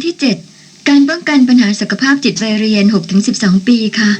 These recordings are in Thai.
ที่ 7 การป้องกันปัญหาสุขภาพจิตวัยเรียน 6-12 ปีค่ะ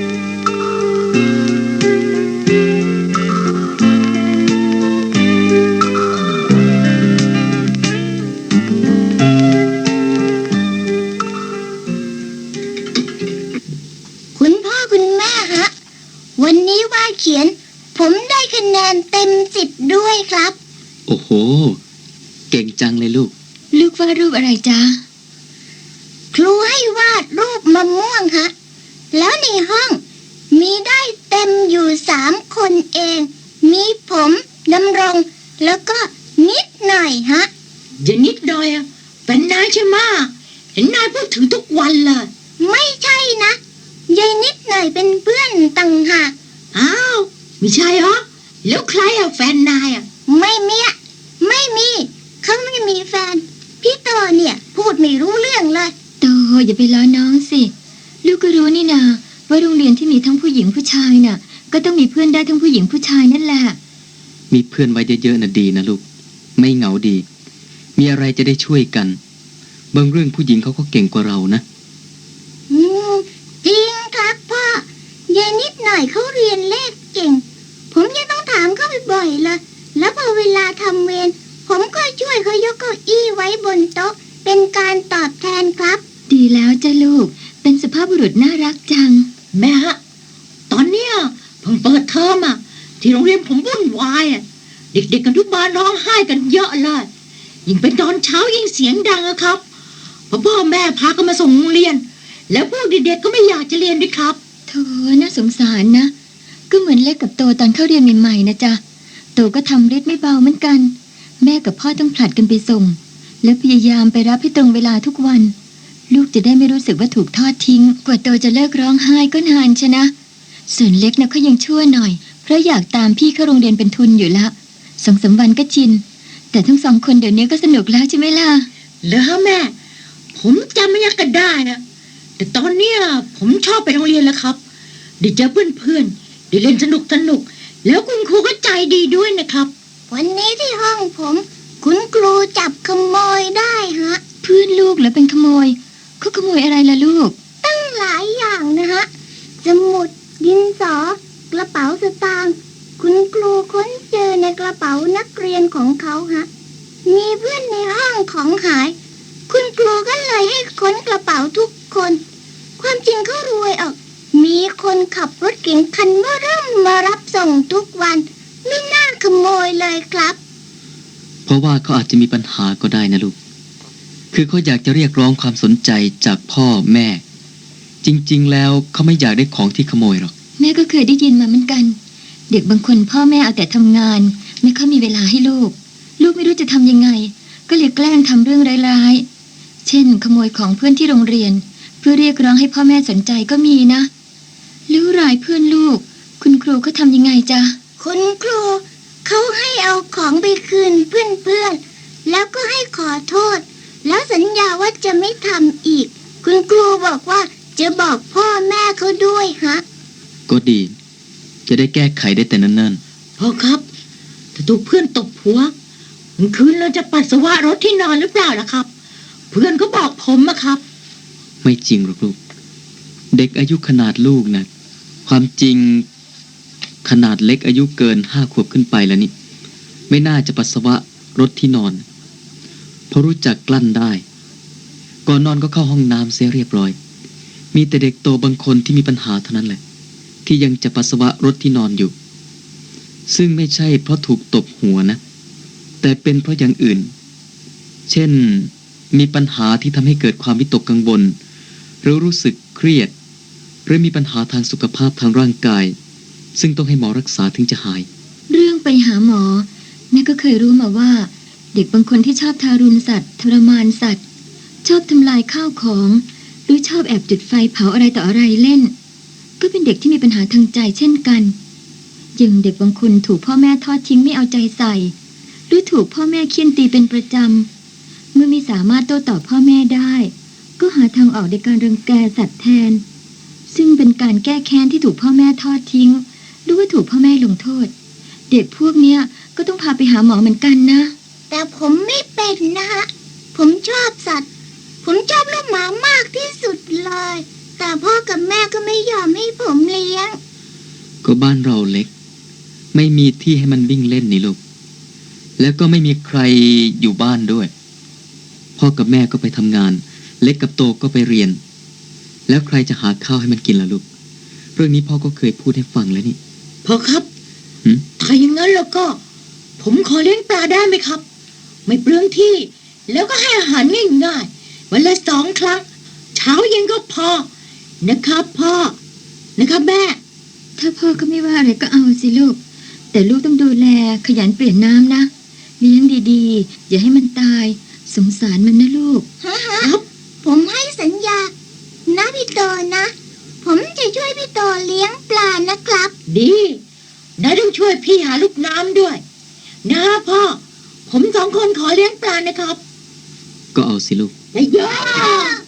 คุณพ่อคุณแม่ฮะวันนี้ว่าเขียนผมได้คะแนนเต็ม10ด้วยครับโอ้โหเก่งจังเลยลูกวาดรูปอะไรจ๊ะครูให้วาดรูปมะม่วงฮะแล้วในห้องมีได้เต็มอยู่3คนเองมีผมดำรงแล้วก็นิดหน่อยฮะอย่านิดหน่อยอ่ะเป็นนายใช่ไหมเห็นนายพูดถึงทุกวันเลยไม่ใช่นะยายนิดหน่อยเป็นเพื่อนต่างหากอ้าวไม่ใช่เหรอแล้วใครอ่ะแฟนนายอ่ะไม่มีเขาไม่มีแฟนพี่โตเนี่ยพูดไม่รู้เรื่องเลยโตอย่าไปล้อน้องสิลูกก็รู้นี่นาว่าโรงเรียนที่มีทั้งผู้หญิงผู้ชายน่ะก็ต้องมีเพื่อนได้ทั้งผู้หญิงผู้ชายนั่นแหละมีเพื่อนไว้เยอะๆน่ะดีนะลูกไม่เหงาดีมีอะไรจะได้ช่วยกันบางเรื่องผู้หญิงเขาก็เก่งกว่าเรานะจริงครับพ่อยายนิดหน่อยเขาเรียนเลขเก่งผมยังต้องถามเขาบ่อยๆเลยแล้วพอเวลาทำเวรผมก็ช่วยเขายกเก้าอี้ไว้บนโต๊ะเป็นการตอบแทนครับดีแล้วจ้ะลูกเป็นสุภาพบุรุษน่ารักจังแม่ฮะตอนเนี้ยเพิ่งเปิดเทอมอ่ะที่โรงเรียนผมวุ่นวายอ่ะเด็กๆกันทุกบ้านร้องไห้กันเยอะเลยยิ่งเป็นตอนเช้ายิ่งเสียงดังอะครับพ่อแม่พากันมาส่งโรงเรียนแล้วพวกเด็กๆก็ไม่อยากจะเรียนด้วยครับโธ่น่าสงสารนะก็เหมือนเล็กกับโตตอนเข้าเรียนใหม่ๆนะจ๊ะโตก็ทำฤทธิ์ไม่เบาเหมือนกันแม่กับพ่อต้องผลัดกันไปส่งและพยายามไปรับให้ตรงเวลาทุกวันลูกจะได้ไม่รู้สึกว่าถูกทอดทิ้งกว่าโตจะเลิกร้องไห้ก็นานชนะส่วนเล็กนะเขายังชั่วหน่อยเพราะอยากตามพี่เข้าโรงเรียนเป็นทุนอยู่ละ2-3 วันก็ชินแต่ทั้ง2คนเดี๋ยวนี้ก็สนุกแล้วใช่ไหมล่ะเหรอแม่ผมจำไม่ยักกันได้นะแต่ตอนเนี้ยผมชอบไปโรงเรียนแล้วครับได้เจอเพื่อนได้เล่นสนุกแล้วคุณครูก็ใจดีด้วยนะครับวันนี้ที่ห้องผมคุณครูจับขโมยได้ฮะเพื่อนลูกเหรอเป็นขโมยเขาขโมยอะไรล่ะลูกตั้งหลายอย่างนะฮะสมุดดินสอกระเป๋าสตางค์คุณครูค้นเจอในกระเป๋านักเรียนของเขาฮะมีเพื่อนในห้องของหายคุณครูก็เลยให้ค้นกระเป๋าทุกคนความจริงเขารวยออกมีคนขับรถเก๋งคันเบ้อเริ่มมารับส่งทุกวันไม่น่าขโมยเลยครับเพราะว่าเขาอาจจะมีปัญหาก็ได้นะลูกคือเขาอยากจะเรียกร้องความสนใจจากพ่อแม่จริงๆแล้วเขาไม่อยากได้ของที่ขโมยหรอกแม่ก็เคยได้ยินมาเหมือนกันเด็กบางคนพ่อแม่เอาแต่ทำงานไม่ค่อยมีเวลาให้ลูกไม่รู้จะทำยังไงก็เลยแกล้งทำเรื่องร้ายๆเช่นขโมยของเพื่อนที่โรงเรียนเพื่อเรียกร้องให้พ่อแม่สนใจก็มีนะรู้รายเพื่อนลูกคุณครูเขาทำยังไงจ๊ะคุณครูเขาให้เอาของไปคืนเพื่อนๆแล้วก็ให้ขอโทษแล้วสัญญาว่าจะไม่ทำอีกคุณครูบอกว่าจะบอกพ่อแม่เขาด้วยฮะก็ดีจะได้แก้ไขได้แต่เนิ่นๆพ่อครับถ้าถูกเพื่อนตบหัวคืนเราจะปัสสาวะรถที่นอนหรือเปล่าล่ะครับเพื่อนก็บอกผมอะครับไม่จริงหรอกลูกเด็กอายุขนาดลูกนะความจริงขนาดเล็กอายุเกิน5 ขวบขึ้นไปแล้วนี่ไม่น่าจะปัสสาวะรถที่นอนเพราะรู้จักกลั้นได้ก่อนนอนก็เข้าห้องน้ำเสียเรียบร้อยมีแต่เด็กโตบางคนที่มีปัญหาเท่านั้นแหละที่ยังจะปัสสาวะรถที่นอนอยู่ซึ่งไม่ใช่เพราะถูกตบหัวนะแต่เป็นเพราะอย่างอื่นเช่นมีปัญหาที่ทำให้เกิดความวิตกกังวลหรือรู้สึกเครียดหรือมีปัญหาทางสุขภาพทางร่างกายซึ่งต้องให้หมอรักษาถึงจะหายเรื่องไปหาหมอแม่ก็เคยรู้มาว่าเด็กบางคนที่ชอบทารุณสัตว์ทรมานสัตว์ชอบทำลายข้าวของหรือชอบแอบจุดไฟเผาอะไรต่ออะไรเล่นก็เป็นเด็กที่มีปัญหาทางใจเช่นกันอย่างเด็กบางคนถูกพ่อแม่ทอดทิ้งไม่เอาใจใส่หรือถูกพ่อแม่เคี่ยนตีเป็นประจำเมื่อไม่สามารถโต้ตอบพ่อแม่ได้ก็หาทางออกในการรังแกสัตว์แทนซึ่งเป็นการแก้แค้นที่ถูกพ่อแม่ทอดทิ้งหรือว่าถูกพ่อแม่ลงโทษเด็กพวกเนี้ยก็ต้องพาไปหาหมอเหมือนกันนะแต่ผมไม่เป็นนะฮะผมชอบสัตว์ผผมชอบลูกหมามากที่สุดเลย แต่พ่อกับแม่ก็ไม่ยอมให้ผมเลี้ยงก็บ้านเราเล็ก ไม่มีที่ให้มันวิ่งเล่นนี่ลูก แล้วก็ไม่มีใครอยู่บ้านด้วย พ่อกับแม่ก็ไปทำงาน เล็กกับโตก็ไปเรียน แล้วใครจะหาข้าวให้มันกินล่ะลูก เรื่องนี้พ่อก็เคยพูดให้ฟังแล้วนี่พ่อครับหืมถ้าอย่างนั้นแล้วก็ ผมขอเลี้ยงปลาได้ไหมครับ ไม่เปลืองที่ แล้วก็ให้อาหารง่ายๆวันละ2 ครั้ง เช้าเย็นก็พอ นะครับพ่อ นะครับแม่ถ้าพ่อก็ไม่ว่าอะไรก็เอาสิลูก แต่ลูกต้องดูแลขยันเปลี่ยนน้ำนะ เลี้ยงดีๆ อย่าให้มันตาย สงสารมันนะลูกครับผมให้สัญญา นะพี่โตนะ ผมจะช่วยพี่โตเลี้ยงปลานะครับดีนายต้องช่วยพี่หาลูกน้ำด้วย นะพ่อ ผม2 คนขอเลี้ยงปลานะครับก็เอาสิลูกได้เยอะ